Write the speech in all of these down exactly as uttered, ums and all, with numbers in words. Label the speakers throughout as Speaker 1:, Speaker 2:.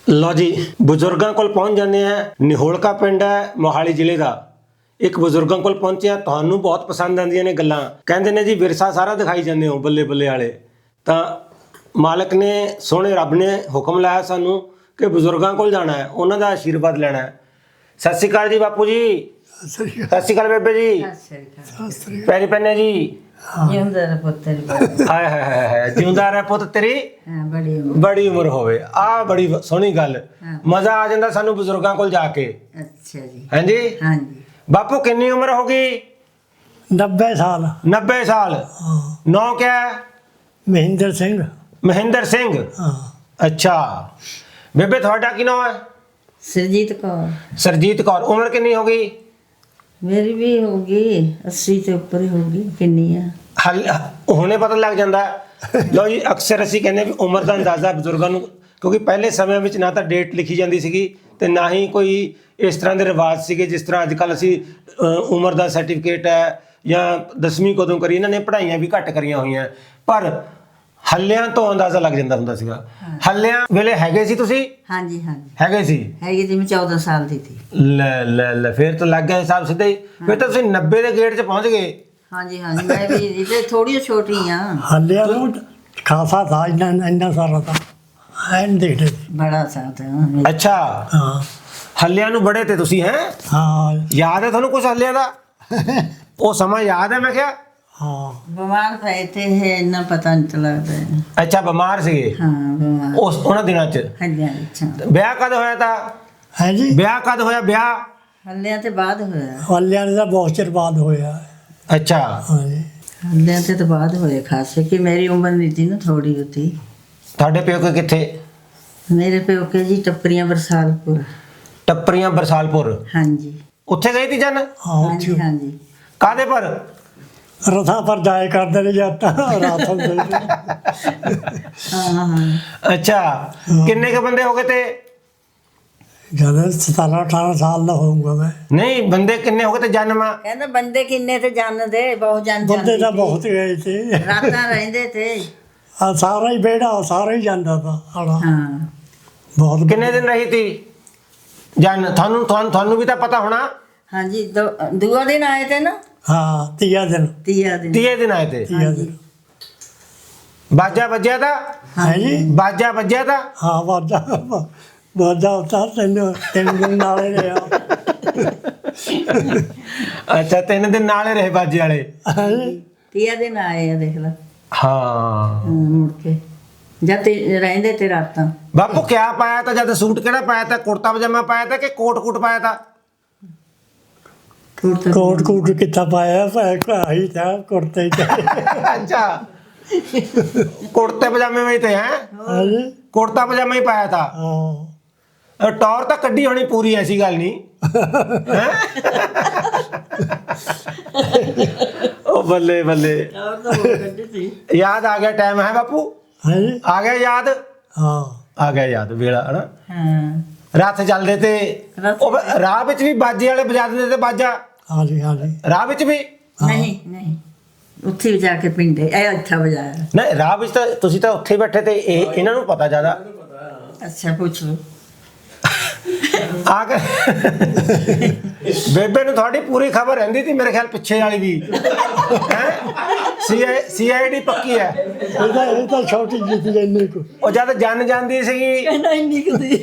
Speaker 1: ਲਓ ਜੀ ਬਜ਼ੁਰਗਾਂ ਕੋਲ ਪਹੁੰਚ ਜਾਂਦੇ ਆ। ਨਿਹੋਲਕਾ ਪਿੰਡ ਹੈ ਮੋਹਾਲੀ ਜ਼ਿਲ੍ਹੇ ਦਾ। ਇੱਕ ਬਜ਼ੁਰਗਾਂ ਕੋਲ ਪਹੁੰਚਿਆ, ਤੁਹਾਨੂੰ ਬਹੁਤ ਪਸੰਦ ਆਉਂਦੀਆਂ ਨੇ ਗੱਲਾਂ। ਕਹਿੰਦੇ ਨੇ ਜੀ ਵਿਰਸਾ ਸਾਰਾ ਦਿਖਾਈ ਜਾਂਦੇ ਹੋ ਬੱਲੇ ਬੱਲੇ ਵਾਲੇ। ਤਾਂ ਮਾਲਕ ਨੇ ਸੋਹਣੇ ਰੱਬ ਨੇ ਹੁਕਮ ਲਾਇਆ ਸਾਨੂੰ ਕਿ ਬਜ਼ੁਰਗਾਂ ਕੋਲ ਜਾਣਾ ਹੈ, ਉਹਨਾਂ ਦਾ ਆਸ਼ੀਰਵਾਦ ਲੈਣਾ ਹੈ। ਸਤਿ ਸ਼੍ਰੀ ਅਕਾਲ ਜੀ ਬਾਪੂ ਜੀ। ਸਤਿ ਸ਼੍ਰੀ ਅਕਾਲ ਬੇਬੇ ਜੀ। ਪੈਰੀ ਪੈਨੇ ਜੀ।
Speaker 2: ਜਿਉਂਦਾ ਰਹਿ ਪੁੱਤ ਤੇਰੀ।
Speaker 1: ਹਾਏ ਹਾਏ ਹਾਏ ਹਾਏ, ਜਿਉਂਦਾ ਰਹਿ ਪੁੱਤ ਤੇਰੀ
Speaker 2: ਬੜੀ
Speaker 1: ਬੜੀ ਉਮਰ ਹੋਵੇ। ਆਹ ਬੜੀ ਸੋਹਣੀ ਗੱਲ, ਮਜ਼ਾ ਆ ਜਾਂਦਾ ਸਾਨੂੰ ਬਜ਼ੁਰਗਾਂ ਕੋਲ ਜਾ ਕੇ।
Speaker 2: ਅੱਛਾ ਜੀ।
Speaker 1: ਹਾਂਜੀ
Speaker 2: ਹਾਂਜੀ।
Speaker 1: ਬਾਪੂ ਕਿੰਨੀ ਉਮਰ ਹੋ ਗਈ?
Speaker 3: नब्बे साल।
Speaker 1: नब्बे साल। नौ क्या है?
Speaker 3: महेंद्र सिंह।
Speaker 1: महेंद्र सिंह।
Speaker 3: हाँ।
Speaker 1: अच्छा बेबे थोड़ा की नाम है?
Speaker 2: ਸਰਜੀਤ ਕੌਰ।
Speaker 1: सरजीत कौर। उम्र कितनी होगी?
Speaker 2: ਮੇਰੀ ਵੀ ਹੋਗੀ अस्सी ਤੋਂ ਉੱਪਰ ਹੀ ਹੋਗੀ। ਕਿੰਨੀ ਆ?
Speaker 1: हल हुणे पता लग जाता है। लो जी अक्सर ਅਸੀਂ ਕਹਿੰਦੇ ਵੀ ਉਮਰ ਦਾ ਅੰਦਾਜ਼ਾ ਬਜ਼ੁਰਗਾਂ ਨੂੰ, ਕਿਉਂਕਿ ਪਹਿਲੇ ਸਮਿਆਂ ਵਿੱਚ ਨਾ ਤਾਂ ਡੇਟ ਲਿਖੀ ਜਾਂਦੀ ਸੀਗੀ ਤੇ ਨਾ ਹੀ ਕੋਈ ਇਸ ਤਰ੍ਹਾਂ ਦੇ ਰਿਵਾਜ ਸੀਗੇ ਜਿਸ ਤਰ੍ਹਾਂ ਅੱਜ ਕੱਲ੍ਹ ਅਸੀਂ ਉਮਰ ਦਾ ਸਰਟੀਫਿਕੇਟ ਹੈ ਜਾਂ ਦਸਵੀਂ ਕਦੋਂ ਕਰੀ। ਇਹਨਾਂ ਨੇ ਪੜ੍ਹਾਈਆਂ ਵੀ ਘੱਟ ਕਰੀਆਂ ਹੋਈਆਂ, ਪਰ ਹੱਲਿਆਂ ਤੋਂ ਅੰਦਾਜ਼ਾ ਲੱਗ ਜਾਂਦਾ ਹੁੰਦਾ ਸੀਗਾ। ਹੱਲਿਆਂ ਵੇਲੇ ਹੈਗੇ ਸੀ ਤੁਸੀਂ?
Speaker 2: ਹਾਂਜੀ ਹਾਂਜੀ
Speaker 1: ਹੈਗੇ ਸੀ।
Speaker 2: ਹੈਗੀ ਜੀ। ਮੈਂ ਚੌਦਾਂ ਸਾਲ ਦੀ ਸੀ।
Speaker 1: ਲੈ ਲੈ ਲੈ ਫਿਰ ਤਾਂ ਲੱਗ ਗਿਆ ਹਿਸਾਬ ਸਿੱਧਾ ਹੀ। ਫਿਰ ਤਾਂ ਤੁਸੀਂ ਨੱਬੇ ਦੇ ਗੇੜ 'ਚ ਪਹੁੰਚ ਗਏ।
Speaker 2: ਹਾਂਜੀ ਹਾਂਜੀ ਮੈਂ ਵੀ ਇਹਦੇ ਥੋੜੀ ਛੋਟੀ ਆ।
Speaker 3: हल्ले खासा था, इन्ना इन्ना सारा था। एन देख रहे थे।
Speaker 2: ਬੜਾ ਸਾਥ ਹੈ।
Speaker 1: ਅੱਛਾ
Speaker 3: हाँ
Speaker 1: ਹੱਲਿਆਂ ਨੂੰ ਬੜੇ ਤੇ ਤੁਸੀਂ ਹੈ?
Speaker 3: हाँ
Speaker 1: ਯਾਦ ਹੈ ਤੁਹਾਨੂੰ ਕੁਝ ਹੱਲਿਆਂ ਦਾ? ਉਹ ਸਮਾਂ ਯਾਦ ਹੈ ਮੈਂ ਕਿਹਾ?
Speaker 3: हाँ।
Speaker 2: ਬਿਮਾਰ ਪਏ ਤੇ ਇਹ ਇੰਨਾ ਪਤਾ ਨਹੀਂ ਲੱਗਦਾ।
Speaker 1: ਅੱਛਾ ਬਿਮਾਰ ਸੀਗੇ
Speaker 2: ਹਾਂ ਬਿਮਾਰ।
Speaker 1: ਉਸ ਉਹਨਾਂ ਦਿਨਾਂ 'ਚ।
Speaker 2: ਹੱਲਿਆਂ ਅੱਛਾ।
Speaker 1: ਵਿਆਹ ਕਦ ਹੋਇਆ ਤਾਂ?
Speaker 3: है जी।
Speaker 1: ਵਿਆਹ ਕਦ ਹੋਇਆ ਵਿਆਹ?
Speaker 2: ਹੱਲਿਆਂ ਤੇ ਬਾਅਦ ਹੋਇਆ।
Speaker 3: हल्ले का बहुत चिर बाद होया है।
Speaker 1: ਅੱਛਾ
Speaker 3: हाँ जी।
Speaker 2: ਹੱਲਿਆਂ ਤੇ ਤਾਂ ਬਾਅਦ ਹੋਇਆ ਖਾਸੇ ਕਿ ਮੇਰੀ ਉਮਰ ਨਹੀਂ ਸੀ ਨਾ, ਥੋੜੀ ਹੁੰਦੀ।
Speaker 1: ਤੁਹਾਡੇ ਪਿਓ ਕਿੱਥੇ?
Speaker 2: ਮੇਰੇ ਪਿਓਕੇ ਜੀ ਟੱਪਰੀਆਂ ਬਰਸਾਲਪੁਰ।
Speaker 1: ਟੱਪਰੀਆਂ ਬਰਸਾਲਪੁਰ।
Speaker 2: ਹਾਂਜੀ
Speaker 1: ਉੱਥੇ ਗਈ ਤੀ ਜਨ?
Speaker 3: हाँ
Speaker 2: ਹਾਂਜੀ
Speaker 3: उठी
Speaker 2: ਹਾਂਜੀ।
Speaker 1: ਕਾਦੇ ਪਰ?
Speaker 3: रथा पर जाए करते नहीं जाता रात हम
Speaker 2: ਹਾਂ ਹਾਂ।
Speaker 1: ਅੱਛਾ ਕਿੰਨੇ ਕੇ ਬੰਦੇ ਹੋ ਗਏ ਤੇ?
Speaker 3: जब सतारह अठारह साल का होऊंगा मैं।
Speaker 1: ਨਹੀਂ ਬੰਦੇ ਕਿੰਨੇ ਹੋ ਗਏ ਤੇ ਜਨਮ?
Speaker 2: ਕਹਿੰਦਾ ਬੰਦੇ ਕਿੰਨੇ ਤੇ ਜਾਣਦੇ, ਬਹੁਤ ਜਾਣ
Speaker 3: बंदे तो बहुत गए थे।
Speaker 2: ਰਾਤਾਂ ਰਹਿੰਦੇ ਤੇ।
Speaker 3: हाँ, सारा ही बेड़ा सारा ही जाता था आड़ा।
Speaker 2: ਹਾਂ
Speaker 3: बहुत
Speaker 1: ਕਿੰਨੇ ਦਿਨ ਰਹੀ ਤੀ ਜਨ? ਤੁਹਾਨੂੰ ਤੁਹਾਨੂੰ ਤੁਹਾਨੂੰ ਵੀ ਤਾਂ ਪਤਾ ਹੋਣਾ।
Speaker 2: ਹਾਂਜੀ। ਦੋ- ਦੂਆ ਦਿਨ ਆਏ ਤੇ ਨਾ।
Speaker 3: हाँ तिया दिन।
Speaker 2: ਤੀਆ ਦਿਨ।
Speaker 1: ਤੀਏ ਦਿਨ ਆਏ ਤੇ।
Speaker 3: तिया दिन।
Speaker 1: ਬਾਜਾ ਵੱਜਿਆ ਤਾਂ?
Speaker 3: है जी।
Speaker 1: ਬਾਜਾ ਵੱਜਿਆ ਤਾਂ?
Speaker 3: हाँ बाजा बाजा होता तीन तीन दिन नाले रहा।
Speaker 1: ਅੱਛਾ ਤਿੰਨ ਦਿਨ ਨਾਲੇ ਰਹੇ ਬਾਜੇ ਵਾਲੇ।
Speaker 2: ਤੀਆ ਦਿਨ ਆਏ ਆ ਦੇਖ ਲੈ।
Speaker 1: ਹਾਂ
Speaker 2: ਹਾਂ, ਮੁੜ ਕੇ ਜਦ ਤੇ ਰਹਿੰਦੇ ਤੇ ਰਾਤਾਂ।
Speaker 1: ਬਾਪੂ ਕਿਆ ਪਾਇਆ ਤਾਂ? ਜਦ ਸੂਟ ਕਿਹੜਾ ਪਾਇਆ ਤਾਂ? ਕੁੜਤਾ ਪਜਾਮਾ ਪਾਇਆ ਤਾਂ ਕਿ ਕੋਟ ਕੋਟ ਪਾਇਆ ਤਾਂ?
Speaker 2: ਕੁੜਤਾ
Speaker 3: कोट कूट कितना पाया ही था कुर्ते ही थे।
Speaker 1: अच्छा कुर्ते पजामे में ही थे हैं?
Speaker 3: हाँ जी।
Speaker 1: कुर्ता पजामा ही पाया था।
Speaker 3: हाँ।
Speaker 1: टॉर तो कड्डी होनी पूरी, ऐसी गल नहीं हैं? ओ बल्ले बल्ले,
Speaker 2: और तो बहुत गड्ढे थी।
Speaker 1: याद आ गया टाइम है बापू?
Speaker 3: हाँ जी।
Speaker 1: आ गया याद?
Speaker 3: हाँ।
Speaker 1: आ गया याद वेला है ना।
Speaker 2: ਹਾਂ
Speaker 1: रात चलते थे
Speaker 2: रथ-
Speaker 1: ओ राह विच भी बाजे वाले बजा देंदे थे बाजा।
Speaker 3: हाँ जी। हाँ जी।
Speaker 1: राह विच भी
Speaker 2: ਨਹੀਂ ਨਹੀਂ ਉੱਥੇ ਵੀ ਜਾ ਕੇ ਪਿੰਡੇ ਇਹ ਇੱਥਾ ਵਜਾਇਆ।
Speaker 1: नहीं राह विच ਤਾਂ ਤੁਸੀਂ ਤਾਂ ਉੱਥੇ ਬੈਠੇ ਤੇ ਇਹ ਇਹਨਾਂ ਨੂੰ ਪਤਾ ਜ਼ਿਆਦਾ।
Speaker 2: ਅੱਛਾ ਪੁੱਛ ਲਓ।
Speaker 1: ਆ ਕੇ ਬੇਬੇ ਨੂੰ ਤੁਹਾਡੀ ਪੂਰੀ ਖਬਰ ਰਹਿੰਦੀ ਸੀ ਮੇਰੇ ਖਿਆਲ ਪਿੱਛੇ ਵਾਲੀ ਵੀ ਹੈ। ਸੀ ਆਈ ਡੀ ਪੱਕੀ ਹੈ।
Speaker 3: ये तो ये तो छोटी जी थी इन्नी को।
Speaker 1: ਉਹ ਜਦ ਜਨ ਜਾਂਦੀ ਸੀਗੀ।
Speaker 2: ਕਹਿੰਦਾ ਇੰਨੀ ਕੁਦੀ।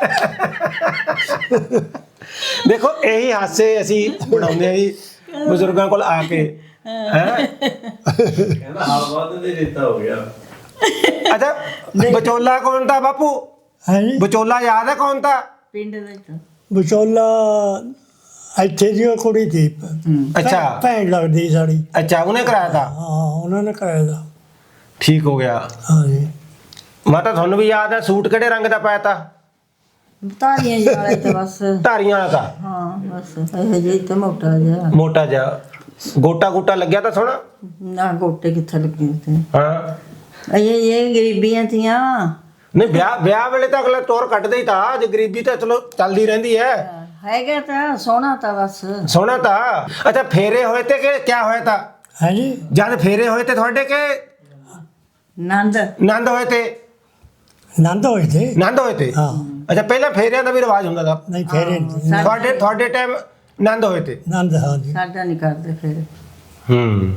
Speaker 1: ਦੇਖੋ ਇਹੀ ਹਾਸੇ ਅਸੀਂ ਬਣਾਉਂਦੇ ਆ ਜੀ ਬਜ਼ੁਰਗਾਂ ਕੋਲ ਆ ਕੇ ਹੈ।
Speaker 4: ਕਹਿੰਦਾ ਹਾਲ ਬਾਅਦ ਦੇ ਦਿੱਤਾ ਹੋ ਗਿਆ।
Speaker 1: ਅੱਛਾ ਵਿਚੋਲਾ ਕੌਣ ਤਾਂ ਬਾਪੂ?
Speaker 3: हाँ जी।
Speaker 1: ਵਿਚੋਲਾ ਯਾਦ ਹੈ ਕੌਣ ਤਾਂ?
Speaker 2: ਪਿੰਡ ਦਾ ਤਾਂ
Speaker 3: विचोला ਇੱਥੇ ਦੀ ਉਹ ਕੁੜੀ थी।
Speaker 1: अच्छा
Speaker 3: ਭੈਣ ਲੱਗਦੀ ਸਾਡੀ।
Speaker 1: अच्छा ਉਹਨੇ ਕਰਾਇਆ ਤਾਂ?
Speaker 3: ਹਾਂ ਉਹਨਾਂ ਨੇ ਕਰਾਇਆ था।
Speaker 1: ਠੀਕ ਹੋ ਗਿਆ।
Speaker 3: ਹਾਂ ਜੀ।
Speaker 1: ਮਾਤਾ ਤੁਹਾਨੂੰ ਵੀ ਯਾਦ ਹੈ ਸੂਟ ਕਿਹੜੇ ਰੰਗ ਦਾ ਪਾਇਆ ਤਾਂ?
Speaker 2: ਤਾਰੀਆਂ ਜਿਹੇ ਵਾਲੇ ਤਾਂ ਬਸ।
Speaker 1: ਧਾਰੀਆਂ ਵਾਲਾ ਤਾਂ?
Speaker 2: ਹਾਂ ਬਸ ਇਹ ਜਿਹੀ ਤਾਂ ਮੋਟਾ ਜਿਹਾ।
Speaker 1: ਮੋਟਾ ਜਿਹਾ ਗੋਟਾ ਗੋਟਾ ਲੱਗਿਆ ਤਾਂ ਸੋਹਣਾ।
Speaker 2: ਨਾ ਗੋਟੇ ਕਿੱਥੇ ਲੱਗੇ ਤੇ।
Speaker 1: ਹਾਂ
Speaker 2: ਇਹ ਇਹ ਗਰੀਬੀਆਂ ਤੀਆਂ।
Speaker 1: ਨਹੀਂ ਵਿਆਹ ਵਿਆਹ ਵੇਲੇ ਤਾਂ ਅਗਲਾ ਟੋਰ ਕੱਢਦਾ ਹੀ ਤਾਂ। ਜੇ ਗਰੀਬੀ ਤਾਂ ਚਲੋ ਚੱਲਦੀ ਰਹਿੰਦੀ ਹੈ।
Speaker 2: ਹੈਗਾ ਤਾਂ ਸੋਹਣਾ ਤਾਂ ਬਸ।
Speaker 1: ਸੋਹਣਾ ਤਾਂ। ਅੱਛਾ ਫੇਰੇ ਹੋਏ ਤੇ ਕਿ ਕਿਆ ਹੋਇਆ ਤਾਂ?
Speaker 3: ਹੈ ਜੀ।
Speaker 1: ਜਦ ਫੇਰੇ ਹੋਏ ਤੇ ਤੁਹਾਡੇ ਕੇ
Speaker 2: ਨੰਦ
Speaker 1: ਨੰਦ ਹੋਏ ਤੇ?
Speaker 3: ਨੰਦ ਹੋਏ थे।
Speaker 1: ਨੰਦ ਹੋਏ ਤੇ?
Speaker 3: हाँ।
Speaker 1: ਅੱਛਾ ਪਹਿਲਾਂ ਫੇਰਿਆਂ ਦਾ ਵੀ ਰਿਵਾਜ ਹੁੰਦਾ ਦਾ
Speaker 3: ਨਹੀਂ ਫੇਰੇ
Speaker 2: ਸਾਡੇ-
Speaker 1: ਤੁਹਾਡੇ ਤੁਹਾਡੇ ਟਾਈਮ ਆਨੰਦ ਹੋਏ ਤੇ
Speaker 3: ਨੰਦ ਹਾਂ ਜੀ
Speaker 2: ਸਾਡਾ ਨਹੀਂ ਕਰਦੇ ਫਿਰ
Speaker 1: ਹੂੰ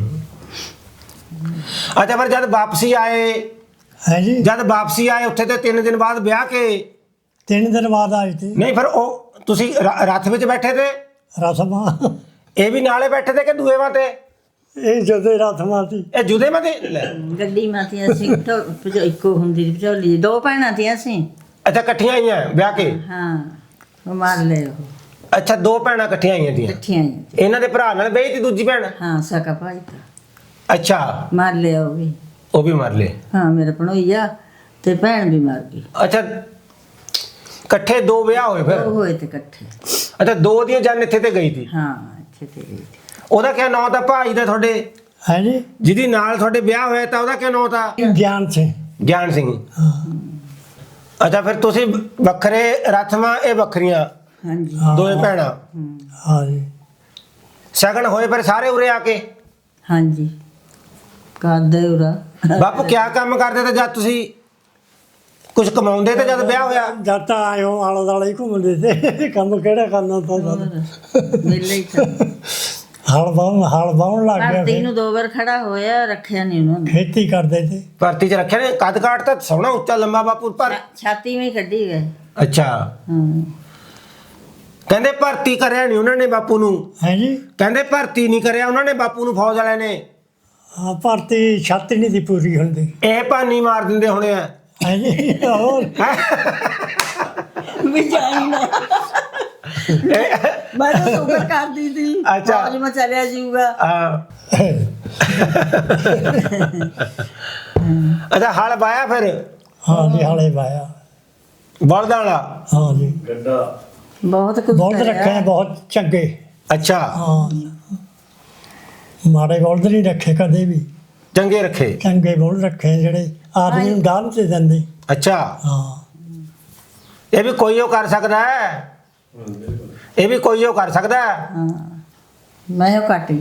Speaker 1: ਅੱਛਾ ਫਿਰ ਜਦ ਵਾਪਸੀ ਆਏ
Speaker 3: ਹੈ ਜੀ
Speaker 1: ਜਦ ਵਾਪਸੀ ਆਏ ਉੱਥੇ ਤੇ ਤਿੰਨ ਦਿਨ ਬਾਅਦ ਵਿਆਹ ਕੇ
Speaker 3: ਤਿੰਨ ਦਿਨ ਬਾਅਦ ਆਏ ਤੇ
Speaker 1: ਨਹੀਂ ਫਿਰ ਉਹ ਤੁਸੀਂ ਰ- ਰੱਥ ਵਿੱਚ ਬੈਠੇ ਤੇ
Speaker 3: ਰਸਮਾਂ
Speaker 1: ਇਹ ਵੀ ਨਾਲੇ ਬੈਠੇ ਤੇ ਕਿ ਦੂਏ ਵਾਂ ਤੇ
Speaker 3: ਇਹ ਜਦੇ ਰਸਮਾਂ ਸੀ
Speaker 1: ਇਹ ਜੁਦੇ ਮਾ ਤੇ ਲੈ।
Speaker 2: ਗੱਡੀ ਮਾਤੀ ਅਸੀਂ ਢੋ- ਭਜੋ- ਇੱਕੋ ਹੁੰਦੀ ਸੀ ਭਜੋਲੀ ਦੋ ਭੈਣਾਂ ਸੀ ਅਸੀਂ
Speaker 1: ਅੱਛਾ ਇਕੱਠੀਆਂ ਆਈਆਂ ਵਿਆਹ ਕੇ
Speaker 2: ਹਾਂ ਉਹ ਮਾਰ ਲਏ ਉਹ
Speaker 1: ਅੱਛਾ ਦੋ ਭੈਣਾਂ ਇਕੱਠੀਆਂ ਆਈਆਂ ਦੀਆਂ
Speaker 2: ਇਕੱਠੀਆਂ ਹੀ।
Speaker 1: ਇਹਨਾਂ ਦੇ ਭਰਾ ਨਾਲ ਬਈ ਤੀ ਦੂਜੀ ਭੈਣ
Speaker 2: ਹਾਂ ਸਕਾ ਭਾਈ ਤਾਂ
Speaker 1: ਅੱਛਾ
Speaker 2: ਮਾਰ ਲਿਆ ਉਹ ਵੀ
Speaker 1: ਉਹ ਵੀ ਮਰ ਲਏ
Speaker 2: ਹਾਂ ਮੇਰੇ ਭਣੋਈਆ ਤੇ ਭੈਣ ਵੀ ਮਰ ਗਈ
Speaker 1: ਅੱਛਾ ਇਕੱਠੇ ਦੋ ਵਿਆਹ ਹੋਏ ਫਿਰ
Speaker 2: ਉਹ ਹੋਏ ਤੇ ਇਕੱਠੇ
Speaker 1: ਅੱਛਾ ਦੋ ਦੀਆਂ ਜਨ ਇੱਥੇ ਤੇ ਗਈ ਸੀ
Speaker 2: ਹਾਂ ਇੱਥੇ ਤੇ ਗਈ ਸੀ।
Speaker 1: ਉਹਦਾ ਕਿਆ ਨਾਂ ਤਾਂ ਭਾਈ ਦਾ ਤੁਹਾਡੇ
Speaker 3: ਹੈ ਜੀ
Speaker 1: ਜਿਹਦੀ ਨਾਲ ਤੁਹਾਡੇ ਵਿਆਹ ਹੋਇਆ ਤਾਂ ਉਹਦਾ ਕਿਆ ਨਾਂ ਤਾਂ
Speaker 3: ਗਿਆਨ ਸਿੰਘ
Speaker 1: ਗਿਆਨ ਸਿੰਘ
Speaker 3: ਹਾਂ
Speaker 1: ਅੱਛਾ ਫਿਰ ਤੁਸੀਂ ਵੱਖਰੇ ਰਥਮਾਂ ਇਹ ਵੱਖਰੀਆਂ
Speaker 2: ਹਾਂਜੀ
Speaker 3: ਹਾਂ।
Speaker 1: ਦੋਵੇਂ ਭੈਣਾਂ
Speaker 3: ਹਾਂ ਜੀ
Speaker 1: ਸ਼ਗਨ ਹੋਏ ਫਿਰ ਸਾਰੇ ਉਰੇ ਆ ਕੇ
Speaker 2: ਹਾਂਜੀ ਕਰਦੇ ਉਰਾ
Speaker 1: ਬਾਪੂ ਕਿਆ ਕੰਮ ਕਰਦੇ ਤੇ ਜਦ ਤੁਸੀਂ ਕੁਝ ਕਮਾਉਂਦੇ ਤੇ ਜਦ ਵਿਆਹ ਹੋਇਆ
Speaker 3: ਜਦ ਤਾਂ ਆਇਓ ਆਲੇ ਦੁਆਲੇ ਹੀ ਘੁੰਮਦੇ ਤੇ ਕੰਮ ਕਿਹੜਾ ਕਰਨਾ ਤਾਂ ਜਦ
Speaker 2: ਮੇਲੇ ਹੀ ਤਾਂ
Speaker 3: ਹਲ ਬਾਉਣ ਹਲ ਬਾਉਣ ਲੱਗ ਗਿਆ
Speaker 2: ਧਰਤੀ
Speaker 3: ਫਿਰ
Speaker 2: ਨੂੰ ਦੋ ਵਾਰ ਖੜਾ ਹੋਇਆ ਰੱਖਿਆ ਨਹੀਂ ਉਹਨਾਂ ਨੇ
Speaker 3: ਖੇਤੀ ਕਰਦੇ ਤੇ
Speaker 1: ਭਰਤੀ 'ਚ ਰੱਖਿਆ ਨੇ ਕੱਦ ਕਾਟ ਤਾਂ ਸੋਹਣਾ ਉੱਚਾ ਲੰਮਾ ਬਾਪੂ ਪਰ
Speaker 2: ਛਾ- ਛਾਤੀ ਵਿੱਚ ਕੱਢੀ ਗਏ
Speaker 1: ਅੱਛਾ
Speaker 2: ਹਾਂ
Speaker 1: ਕਹਿੰਦੇ ਭਰਤੀ ਕਰਿਆ ਨਹੀਂ ਉਹਨਾਂ ਨੇ ਬਾਪੂ ਨੂੰ
Speaker 3: ਹੈ ਜੀ
Speaker 1: ਕਹਿੰਦੇ ਭਰਤੀ ਨਹੀਂ ਕਰਿਆ ਉਹਨਾਂ ਨੇ ਬਾਪੂ ਨੂੰ ਫੌਜ ਵਾਲਿਆਂ ਨੇ
Speaker 3: ਹਾਂ ਭਰਤੀ ਛੱਤ ਨਹੀਂ ਦੀ ਪੂਰੀ ਹੁੰਦੀ
Speaker 1: ਇਹ ਭਾਨੀ ਮਾਰ ਦਿੰਦੇ ਹੋਣੇ ਆ
Speaker 3: ਹੈ ਜੀ ਹੋਰ
Speaker 2: ਵਿਚਾਈਣਾ ਮੈਂ ਤਾਂ ਸੁਪਰ ਕਰਦੀ ਸੀ
Speaker 1: ਅੱਛਾ।
Speaker 2: ਫੌਜ ਮੈਂ ਚਲਿਆ ਜਾਊਗਾ
Speaker 1: ਆ ਅੱਛਾ ਹਲ ਵਾਇਆ ਫਿਰ
Speaker 3: ਹਾਂ ਜੀ ਹਾਲੇ ਵਾਇਆ
Speaker 1: ਬਲਦਾਂ ਵਾਲਾ
Speaker 3: ਹਾਂ ਜੀ
Speaker 4: ਗੱਡਾ
Speaker 2: ਬਹੁਤ ਕੁਝ
Speaker 3: ਬਹੁਤ
Speaker 2: ਕਰਿਆ।
Speaker 3: ਰੱਖੇ ਬਹੁਤ ਚੰਗੇ
Speaker 1: ਅੱਛਾ
Speaker 3: ਹਾਂ ਮਾੜੇ ਬੋਲਦ ਨਹੀਂ ਰੱਖੇ ਕਦੇ ਵੀ
Speaker 1: ਚੰਗੇ ਰੱਖੇ
Speaker 3: ਚੰਗੇ ਬੋਲ ਰੱਖੇ ਜਿਹੜੇ ਆਦਮੀ ਨੂੰ ਦਾਨ ਤੇ ਦਿੰਦੇ
Speaker 1: ਅੱਛਾ
Speaker 3: ਹਾਂ
Speaker 1: ਇਹ ਵੀ ਕੋਈ ਉਹ ਕਰ ਸਕਦਾ ਹੈ ਇਹ ਵੀ ਕੋਈ ਉਹ ਕਰ ਸਕਦਾ ਹੈ
Speaker 2: ਹਾਂ ਮੈਂ ਉਹ ਕੱਟੀ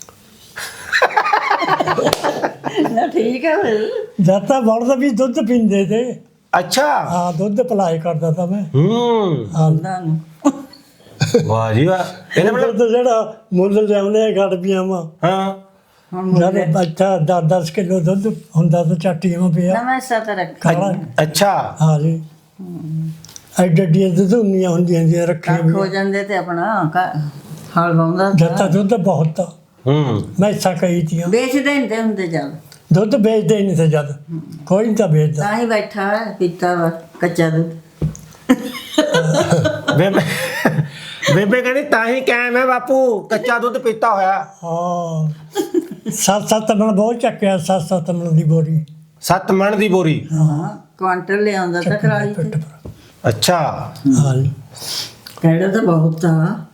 Speaker 2: ਨਾ ਠੀਕ ਹੈ ਫਿਰ
Speaker 3: ਜਦ ਤਾਂ ਬੋਲਦ ਵੀ ਦੁੱਧ ਪੀਂਦੇ ਤੇ
Speaker 1: ਅੱਛਾ
Speaker 3: ਹਾਂ ਦੁੱਧ ਪਲਾਈ ਕਰਦਾ ਤਾਂ ਮੈਂ
Speaker 1: ਹੂੰ
Speaker 3: ਹਾਂ
Speaker 2: ਉਹਨਾਂ ਨੂੰ
Speaker 1: ਵਾਹ ਜੀ ਵਾਹ ਇਹਨੇ ਮਤਲਬ
Speaker 3: ਦੁੱਧ ਜਿਹੜਾ ਮੁੱਲ ਲਿਆਉਂਦੇ ਆ ਗੜਬੀਆਂ ਵਾ
Speaker 1: ਹਾਂ
Speaker 2: ਹੁਣ
Speaker 3: ਜਦ
Speaker 2: ਮੁੰਡੇ
Speaker 3: ਬੱਚਾ ਦਸ ਦਸ ਕਿਲੋ ਦੁੱਧ ਹੁੰਦਾ ਤਾਂ ਚਾਟੀਆਂ ਪਿਆ
Speaker 2: ਨਵਾਂ ਸਤ ਰੱਖ
Speaker 3: ਕਾਲਾ
Speaker 1: ਅੱਛਾ
Speaker 3: ਹਾਂ ਜੀ ਐਡੇ ਐਡੀਆਂ ਦੁੱਧ ਹੁੰਦੀਆਂ ਹੁੰਦੀਆਂ ਜੀ ਰੱਖੀਆਂ
Speaker 2: ਕੱਖ ਹੋ
Speaker 3: ਹੋਈਆਂ।
Speaker 2: ਜਾਂਦੇ ਤੇ ਆਪਣਾ ਕ- ਹਲ ਵਾਉਂਦਾ
Speaker 3: ਜਦ ਤਾਂ ਦੁੱਧ ਬਹੁਤ ਆ
Speaker 1: ਹੂੰ
Speaker 3: ਮੈਸਾਂ ਕਈ ਤੀਆਂ
Speaker 2: ਵੇਚਦੇ ਹੁੰਦੇ ਹੁੰਦੇ ਜਦ
Speaker 3: ਦੁੱਧ ਵੇਚਦੇ ਹੀ ਨਹੀਂ ਤੇ ਜਦ ਕੋਈ ਨਹੀਂ ਤਾਂ ਵੇਚਦਾ
Speaker 2: ਤਾਂ ਹੀ ਬੈਠਾ ਹੈ, ਪੀਤਾ ਵਾ ਕੱਚਾ ਦੁੱਧ
Speaker 1: ਬੇਬੇ ਬੇਬੇ ਕਹਿੰਦੀ ਤਾਂ ਹੀ ਕਾਇਮ ਹੈ ਬਾਪੂ ਕੱਚਾ ਦੁੱਧ ਪੀਤਾ ਹੋਇਆ
Speaker 3: ਹਾਂ ਸੱਤ ਸੱਤ ਮਣ ਬਹੁਤ ਚੱਕਿਆ ਸੱਤ ਸੱਤ ਮਣ ਦੀ ਬੋਰੀ
Speaker 1: ਸੱਤ ਮਣ ਦੀ ਬੋਰੀ
Speaker 2: ਹਾਂ ਕੁਆਂਟਲ ਲਿਆਉਂਦਾ ਤਾਂ ਕਰਾਲੀ ਤੇ
Speaker 3: ਪਿੱਠ ਪਰ।
Speaker 1: ਅੱਛਾ
Speaker 3: ਹਾਂ ਜੀ
Speaker 2: ਕਿਹੜਾ ਤਾਂ ਬਹੁਤ ਆ